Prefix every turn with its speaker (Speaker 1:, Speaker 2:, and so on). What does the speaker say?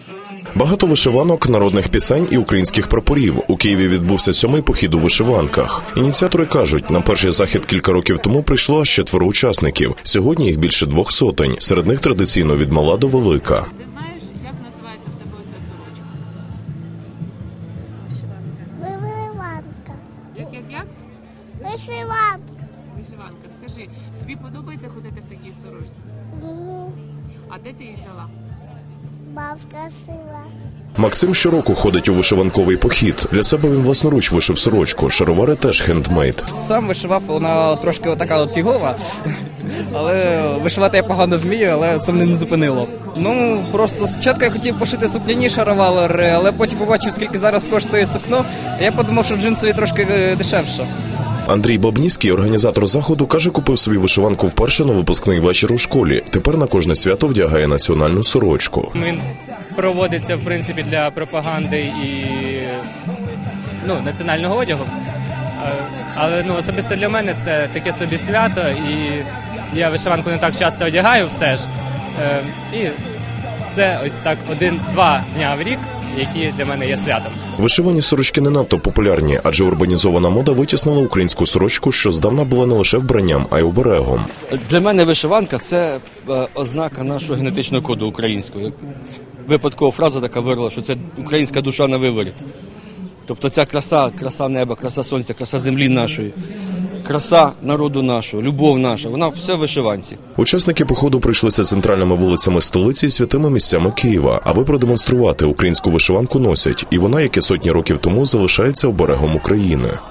Speaker 1: Багато вишиванок, народних пісень і українських прапорів. У Києві відбувся 7-й похід у вишиванках. Ініціатори кажуть, на перший захід кілька років тому прийшло аж 4 учасників. Сьогодні їх більше 200. Серед них традиційно від мала до велика.
Speaker 2: Ти знаєш, як називається в тебе оця сорочка?
Speaker 3: Вишиванка.
Speaker 2: Як?
Speaker 3: Вишиванка.
Speaker 2: Вишиванка. Скажи, тобі подобається ходити в такій сорочці? А де ти її взяла?
Speaker 3: Бабка шила.
Speaker 1: Максим щороку ходить у вишиванковий похід. Для себе він власноруч вишив сорочку. Шаровари теж хендмейд.
Speaker 4: Сам вишивав, вона трошки така от фігова, але вишивати я погано вмію, але це мене не зупинило. Ну, просто спочатку я хотів пошити сукняні шаровари, але потім побачив, скільки зараз коштує сукно, і я подумав, що джинсові трошки дешевше.
Speaker 1: Андрій Бабніський, організатор заходу, каже, купив собі вишиванку вперше на випускний вечір у школі. Тепер на кожне свято вдягає національну сорочку.
Speaker 5: Він проводиться, в принципі, для пропаганди і національного одягу. Але особисто для мене це таке собі свято, і я вишиванку не так часто одягаю все ж. І це ось так 1-2 дня в рік, які для мене є святом.
Speaker 1: Вишивані сорочки не надто популярні, адже урбанізована мода витіснила українську сорочку, що здавна була не лише вбранням, а й оберегом.
Speaker 6: Для мене вишиванка – це ознака нашого генетичного коду українського. Випадкова фраза така вирвала, що це українська душа на виворіт. Тобто ця краса неба, краса сонця, краса землі нашої, краса народу нашого, любов наша, вона все в вишиванці.
Speaker 1: Учасники походу прийшлися центральними вулицями столиці і святими місцями Києва, аби продемонструвати, українську вишиванку носять, і вона, як і сотні років тому, залишається оберегом України.